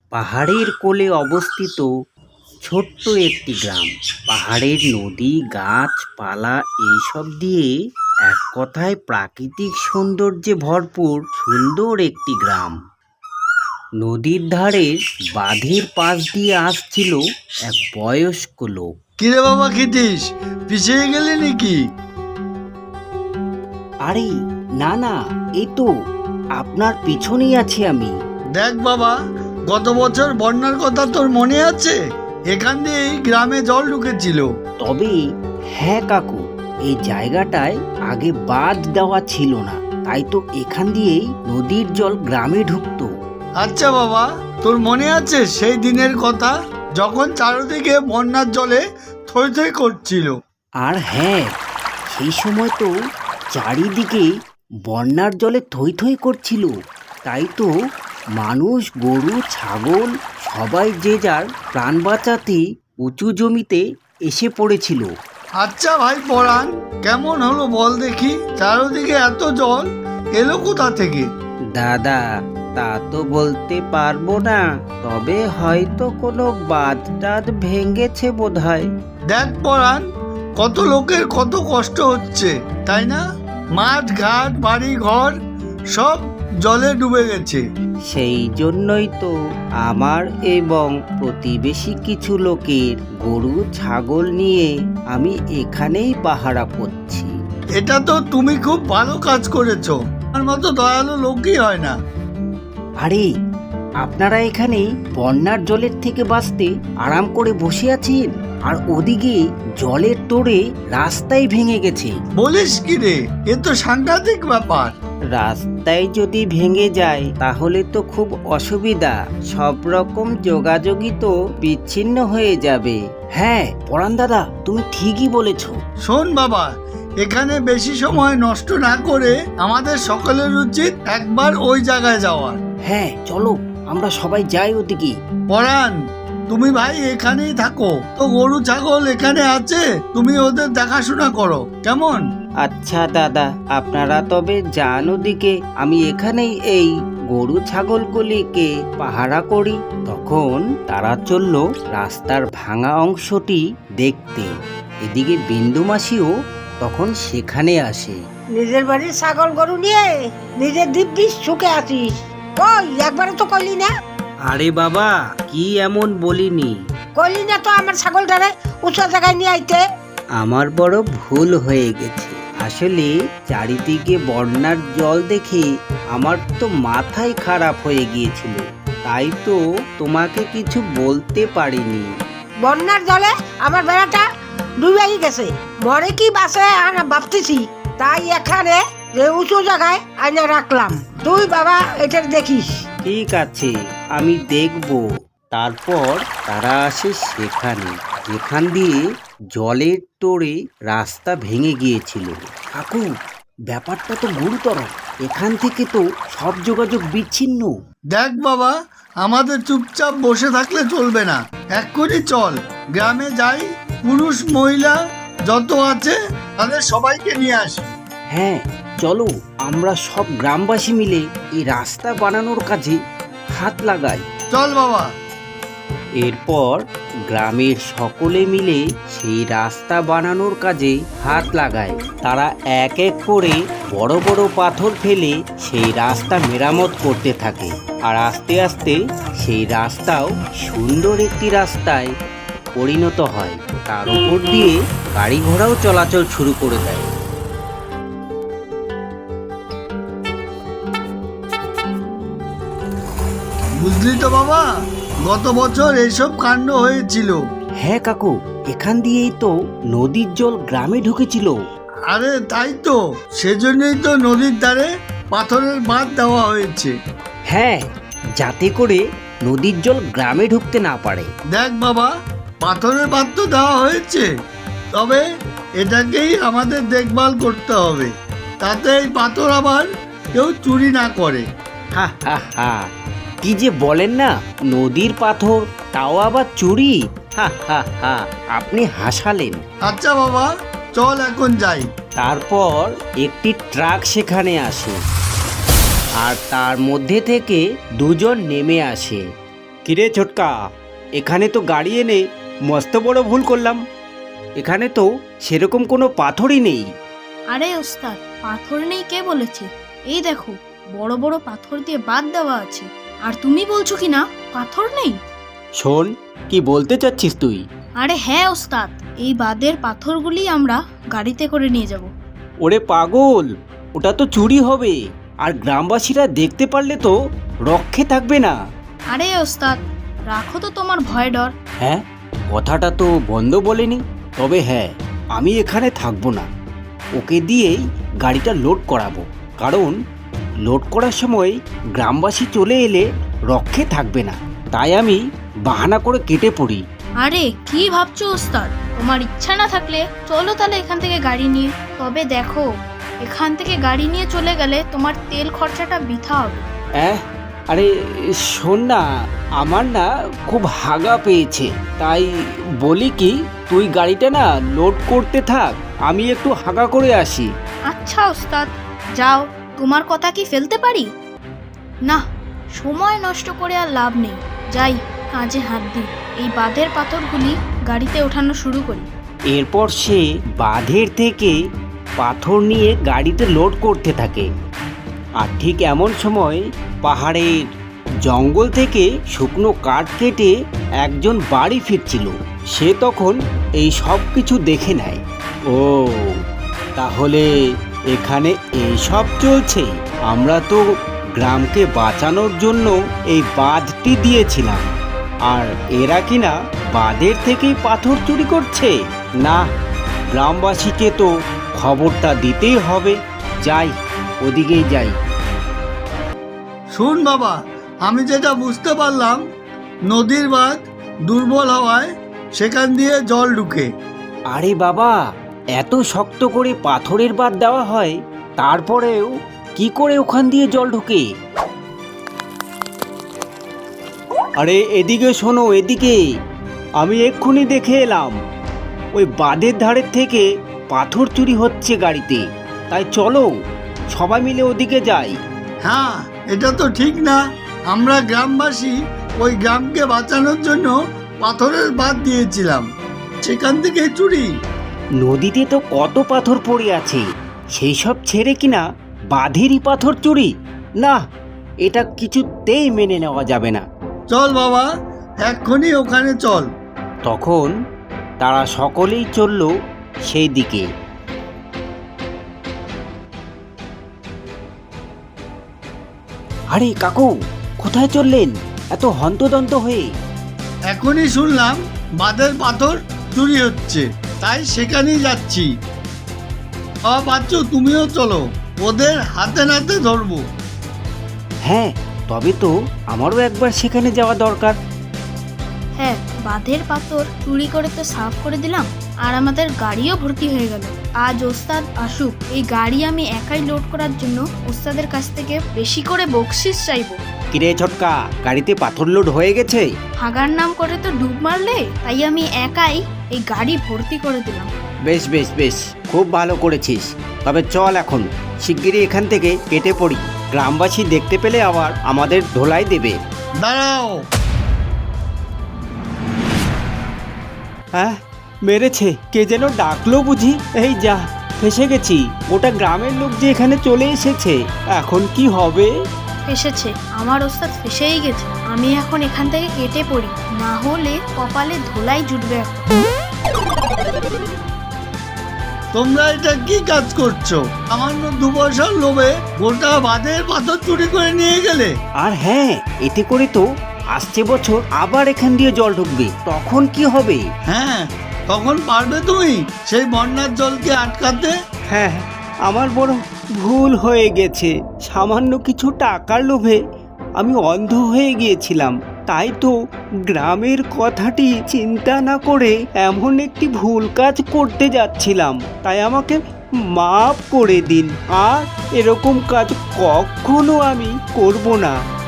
পাহাড়ের কোলে অবস্থিত ছোট্ট একটি গ্রাম। পাহাড়ের নদী, গাছপালা এইসব দিয়ে এক কথায় প্রাকৃতিক সৌন্দর্যে ভরপুর সুন্দর একটি গ্রাম। নদীর ধারে বাঁধের পাশ দিয়ে আসছিল এক বয়স্ক লোক। কিরে বাবা, খিটিস পিছিয়ে গেলি নাকি? আরে না না, এই তো আপনার পিছনেই আছি আমি। দেখ বাবা, গত বছর বন্যার কথা তোর মনে আছে? এখান দিয়েই গ্রামে জল ঢুকেছিল। তবে হ্যাঁ কাকু, এই জায়গাটায় আগে বাঁধ দেওয়া ছিল না, তাই তো এখান দিয়েই নদীর জল গ্রামে ঢুকতো। আচ্ছা বাবা, তোর মনে আছে সেই দিনের কথা যখন চারিদিকে বন্যার জলে থই থই করছিল? আর হ্যাঁ, সেই সময় তো চারিদিকে বন্যার জলে থই থই করছিল, তাই তো মানুষ, গরু, ছাগল সবাই যে যার প্রাণ বাঁচাতে উঁচু জমিতে এসে পড়েছিল। আচ্ছা ভাই পরাণ, কেমন হলো বল দেখি? চারিদিকে এত জল এলো কোথা থেকে? দাদা, তা তো বলতে পারবো না, তবে হয়তো কোনো বাঁধ টাধ ভেঙেছে বোধহয়। দেখ পরাণ, কত লোকের কত কষ্ট হচ্ছে, তাই না? মাঠ ঘাট বাড়ি ঘর সব জলে ডুবে গেছে। সেই জন্যই তো আমার এবং প্রতিবেশী কিছু লোকের গরু ছাগল নিয়ে আমি এখানেই পাহারা করছি। এটা তো তুমি খুব ভালো কাজ করেছো। আমার মতো দয়ালু লোকই হয় না। আরে, আপনারা এখানে বন্যার জলের থেকে বাঁচতে আরাম করে বসে আছেন, আর ওদিকে জলের তোড়ে রাস্তাই ভেঙে গেছে। বলিস কি রে, এ তো সাংঘাতিক ব্যাপার। রাস্তায় যদি ভেঙে যায় তাহলে তো খুব অসুবিধা, সব রকম যোগাযোগই তো বিচ্ছিন্ন হয়ে যাবে। হ্যাঁ পরাণ দাদা, তুমি ঠিকই বলেছ। শোন বাবা, এখানে বেশি সময় নষ্ট না করে আমাদের সকলের উচিত একবার ওই জায়গায় যাওয়ার। হ্যাঁ চলো, আমরা সবাই যাই ওদিকে। পরাণ, তুমি ভাই এখানেই থাকো, তো গরু ছাগল এখানে আছে, তুমি ওদের দেখাশোনা করো, কেমন? আচ্ছা দাদা, আপনারা তবে যান ওদিকে, আমি এখানেই এই গরু ছাগলগুলিকে পাহারা করি। তখন তারা চলল রাস্তার ভাঙা অংশটি দেখতে। এদিকে বিন্দু মাসিও তখন সেখানে আসে। নিজের বাড়ির ছাগল গরু নিয়ে নিজের দিব্যি সুখে আছিস? কই, একবারও তো কইলি না। আরে বাবা, কি এমন বলিনি। কইলি না তো আমার ছাগলটারে উঁচু জায়গায় নিয়ে আইতে। আমার বড় ভুল হয়ে গেছে। আসলে চারিদিকে বন্যার জল দেখে আমার তো মাথাই খারাপ হয়ে গিয়েছিল, তাই তো তোমাকে কিছু বলতে পারিনি। বন্যার জলে আমার বেড়াটা ডুবেই গেছে, মরে কি বাসে আনা ভাবতেছি, তাই এখানে যে উঁচু জায়গায় আইনা রাখলাম। তুই বাবা এটা দেখিস। ঠিক আছে, আমি দেখব। তারপর তারা আসে সেখানে যেখান দিয়ে জলের তোড়ে রাস্তা ভেঙে গিয়েছিল। কাকু, ব্যাপারটা তো গুরুতর, এখান থেকে তো সব যোগাযোগ বিচ্ছিন্ন। দেখ বাবা, আমাদের চুপচাপ বসে থাকলে চলবে না, এক্ষুনি চল গ্রামে যাই, পুরুষ মহিলা যত আছে তাদের সবাইকে নিয়ে আসি। হ্যাঁ চলো, আমরা সব গ্রামবাসী মিলে এই রাস্তা বানানোর কাজে হাত লাগাই। চল বাবা। এরপর গ্রামের সকলে মিলে সেই রাস্তা বানানোর কাজে হাত লাগায়। তারা এক এক করে বড় বড় পাথর ফেলে সেই রাস্তা মেরামত করতে থাকে, আর আস্তে আস্তে সেই রাস্তাও সুন্দর একটি রাস্তায় পরিণত হয়। তার উপর দিয়ে গাড়ি ঘোড়াও চলাচল শুরু করে দেয়। বুঝলি তো বাবা, গত বছর এইসব কাণ্ড হয়েছিল। হ্যাঁ কাকু, এখান দিয়েই তো নদীর জল গ্রামে ঢুকেছিল। আরে তাই তো, সেজন্যই তো নদীর ধারে পাথরের বাঁধ দেওয়া হয়েছে। হ্যাঁ, যাতে করে নদীর জল গ্রামে ঢুকতে না পারে। দেখ বাবা, পাথরের বাঁধ তো দেওয়া হয়েছে, তবে এটাকেই আমাদের দেখভাল করতে হবে, তাতে এই পাথর আবার কেউ চুরি না করে। হা হা হা, কি যে বলেন না, নদীর পাথর তাও আবার চুরি? হা হা হা, আপনি হাসালেন। আচ্ছা বাবা, চল এখন যাই। তারপর একটি ট্রাক সেখানে আসে, আর তার মধ্যে থেকে দুজন নেমে আসে। কিরে ছোটকা, এখানে তো গাড়ি এনে মস্ত বড় ভুল করলাম। এখানে তো সেরকম কোনো পাথরই নেই। আরে ওস্তাদ, পাথর নেই কে বলেছে? এই দেখো, বড় বড় পাথর দিয়ে বাঁধ দেওয়া আছে। আর তুমি বলছো কি না পাথর নেই? শোন, কি বলতে চাচ্ছিস তুই? আরে হ্যাঁ ওস্তাদ, এই বাঁধের পাথরগুলি আমরা গাড়িতে করে নিয়ে যাব। ওরে পাগল, ওটা তো চুরি হবে, আর গ্রামবাসীরা দেখতে পারলে তো রক্ষে থাকবে না। আরে ওস্তাদ, রাখো তো তোমার ভয় ডর। হ্যাঁ, কথাটা তো বন্ধ বলেনি। তবে হ্যাঁ, আমি এখানে থাকবো না, ওকে দিয়েই গাড়িটা লোড করাবো। কারণ লোড করার সময় গ্রামবাসী চলে এলে রক্ষে থাকবে না, তাই আমি বাহানা করে কেটে পড়ি। আরে কি ভাবছো ওস্তাদ? তোমার ইচ্ছা না থাকলে চলো তাহলে এখান থেকে গাড়ি নিয়ে। তবে দেখো, এখান থেকে গাড়ি নিয়ে চলে গেলে তোমার তেল খরচাটা বৃথা হবে। আরে শোন না, আমার না খুব হাগা পেয়েছে, তাই বলি কি, তুই গাড়িটা না লোড করতে থাক, আমি একটু হাগা করে আসি। আচ্ছা ওস্তাদ, যাও। তোমার কথা কি ফেলতে পারি? না, সময় নষ্ট করে আর লাভ নেই। যাই, কাজে হাত দিই। এই বাঁধের পাথরগুলি গাড়িতে ওঠানো শুরু করি। এরপর সে বাঁধের থেকে পাথর নিয়ে গাড়িতে লোড করতে থাকে। আর ঠিক এমন সময় পাহাড়ের জঙ্গল থেকে শুকনো কাঠ কেটে একজন বাড়ি ফিরছিল। সে তখন এই সব কিছু দেখে নেয়। ও, তাহলে এখানে এই সব চলছে। আমরা তো গ্রামকে বাঁচানোর জন্য এই বাঁধটি দিয়েছিলাম, আর এরা কিনা বাঁধের থেকেই পাথর চুরি করছে। না, গ্রামবাসীকে তো খবরটা দিতেই হবে। যাই, ওদিকেই যাই। শুন বাবা, আমি যেটা বুঝতে পারলাম, নদীর বাঁধ দুর্বল হওয়ায় সেখান দিয়ে জল ঢুকে। আরে বাবা, এত শক্ত করে পাথরের বাঁধ দেওয়া হয়, তারপরেও কি করে ওখান দিয়ে জল ঢোকে? আরে এদিকে শোনো, এদিকে। আমি এক্ষুনি দেখে এলাম, ওই বাঁধের ধারের থেকে পাথর চুরি হচ্ছে গাড়িতে। তাই চলো সবাই মিলে ওদিকে যাই। হ্যাঁ, এটা তো ঠিক না। আমরা গ্রামবাসী ওই গ্রামকে বাঁচানোর জন্য পাথরের বাঁধ দিয়েছিলাম, সেখান থেকে চুরি। নদীতে তো কত পাথর পড়ে আছে, সেই সব ছেড়ে কিনা বাঁধেরই পাথর চুরি? না, এটা কিছুতেই মেনে নেওয়া যাবে না। চল বাবা, এক্ষুনি ওখানে চল। তখন তারা সকলেই চলল সেই দিকে। আরে কাকু, কোথায় চললেন এত হন্তদন্ত হয়ে? এখনই শুনলাম বাঁধের পাথর চুরি হচ্ছে, তাই সেখানেই যাচ্ছি। বাচ্চু, তুমিও চলো, ওদের হাতে নাতে ধরবো। হ্যাঁ, তবে তো আমারও একবার সেখানে যাওয়া দরকার। হ্যাঁ, বাঁধের পাথর চুরি করে তো সাফ করে দিলাম, আর আমাদের গাড়িও ভর্তি হয়ে গেল। আজ ওস্তাদ আসুক, এই গাড়ি আমি একাই লোড করার জন্য ওস্তাদের কাছ থেকে বেশি করে বকশিস চাইবো। কিরে ছোটকা, গাড়িতে পাথর লোড হয়ে গেছে? হাগার নাম করে তো ডুব মারলে, তাই আমি একাই এই গাড়ি ভর্তি করে দিলাম। বেশ বেশ বেশ, খুব ভালো করেছিস। তবে চল এখন শিগগিরই এখান থেকে কেটে পড়ি, গ্রামবাসী দেখতে পেলে আবার আমাদের ধোলাই দেবে। দাঁড়াও। হ্যাঁ, মেরেছে, কে যেন ডাকলো বুঝি। এই যা, ফেসে গেছি। ওটা গ্রামের লোক যে এখানে চলে এসেছে, এখন কি হবে? ফেসেছে, আমার ওস্তাদ ফেসেই গেছে। আমি এখন এখান থেকে কেটে পড়ি, না হলে কপালে ধোলাই জুটবে এখন। তোমরা এটা কি কাজ করছো? সামান্য 2 পয়সার লোভে গোটা বাঁধের পাথর চুরি করে নিয়ে গেলে। আর হ্যাঁ, এতে করে তো আসছে বছর আবার এখান দিয়ে জল ঢুকবে, তখন কি হবে? হ্যাঁ, তখন পারবে তুমি সেই বন্যার জলকে আটকাতে? হ্যাঁ, আমার বড় ভুল হয়ে গেছে। সামান্য কিছু টাকার লোভে আমি অন্ধ হয়ে গিয়েছিলাম। তাই তো গ্রামের কথাটি চিন্তা না করে এমন একটি ভুল কাজ করতে যাচ্ছিলাম। তাই আমাকে মাফ করে দিন, আর এরকম কাজ কখনো আমি করব না।